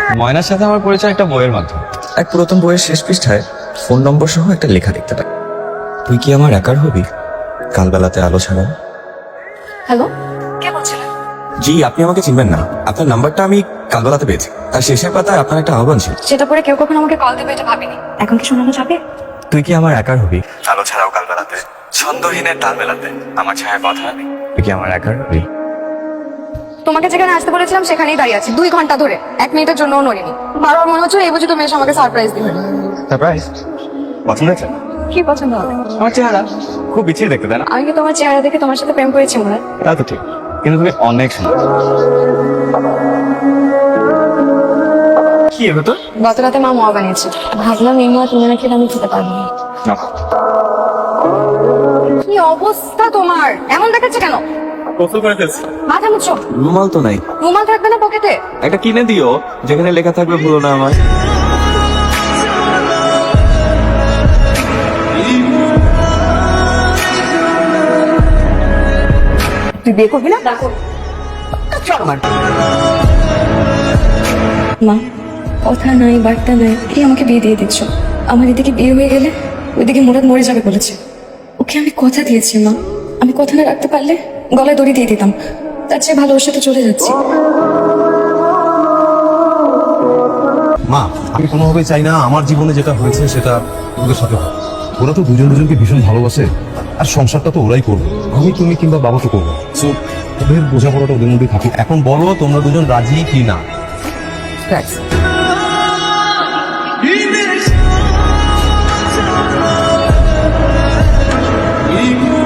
ময়নার সাথে আমার পরিচয় একটা বইয়ের মাধ্যমে। এক পুরাতন বইয়ের শেষ পৃষ্ঠায় ফোন নম্বর সহ একটা লেখা দেখতে পাই, তুই কি আমার একার হবি কালবেলাতে আলো ছাড়া। হ্যালো, কে বলছিলেন? জি, আপনি আমাকে চিনবেন না, আপনার নাম্বারটা আমি কালবেলাতে পেয়েছি। তার শেষের পাতায় আপনার একটা আহ্বান ছিল। সেটা পরে কেউ কখনো আমাকে কল দেবে এটা ভাবিনি। এখন কি শোনানো যাবে? তুই কি আমার একার হবি আলো ছাড়াও কালবেলাতে, ছন্দহীনের তাল বেলাতে আমার ছায়া কথা হবি। তুই কি আমার একার হবি। তোমাকে যেখানে আসতে বলেছিলাম সেখানেই দাঁড়িয়ে আছি 2 ঘন্টা ধরে, 1 মিনিটের জন্যও নড়িনি। বারবার মনে হচ্ছে এই বুঝি তুমি এসে আমাকে সারপ্রাইজ দিবে। সারপ্রাইজ পছন্দ হয়েছে? কি পছন্দ হবে? আমার চেহারা খুব বিচ্ছিরি দেখতে, তাই না? আমি কি তোমার চেহারা দেখে তোমার সাথে প্রেম করেছি মনে হয়? তা তো ঠিক, কিন্তু তুমি অনেক সুন্দর। কি এবার তো গত রাতে মা মোয়া বানিয়েছে, ভাবলাম এই মোয়া তুমি না খেলে আমি খেতে পারবো না। কি অবস্থা তোমার, এমন দেখাচ্ছে কেন? গোসল করে ফেলছি। মাথা মুছো। রুমাল তো নাই, রুমাল থাকবে না পকেটে? একটা কিনে দিও যেখানে লেখা থাকবে ভুলো না আমার। তুই বিয়ে করবি না? মা, কথা নাই বার্তা নাই, কি আমাকে বিয়ে দিয়ে দিচ্ছ? আমার এদিকে বিয়ে হয়ে গেলে ওইদিকে মুরাদ মরে যাবে বলেছে। ওকে আমি কথা দিয়েছি মা, আমি কথা না রাখতে পারলে গলায় দড়ি দিয়ে দিতাম। তার চেয়ে ভালো ওর সাথে চলে যাচ্ছি। মা, আমি কোনোভাবেই চাই না আমার জীবনে যেটা হয়েছে সেটা ওদের সাথে হয়। ওরা তো দুজন দুজনকে ভীষণ ভালোবাসে, আর সংসারটা তো ওরাই করবে, আমি তুমি কিংবা বাবা তো করবো। সো ওদের বোঝাপড়াটা ওদের মধ্যেই থাকি। এখন বলো তোমরা দুজন রাজি কি না। Thanks.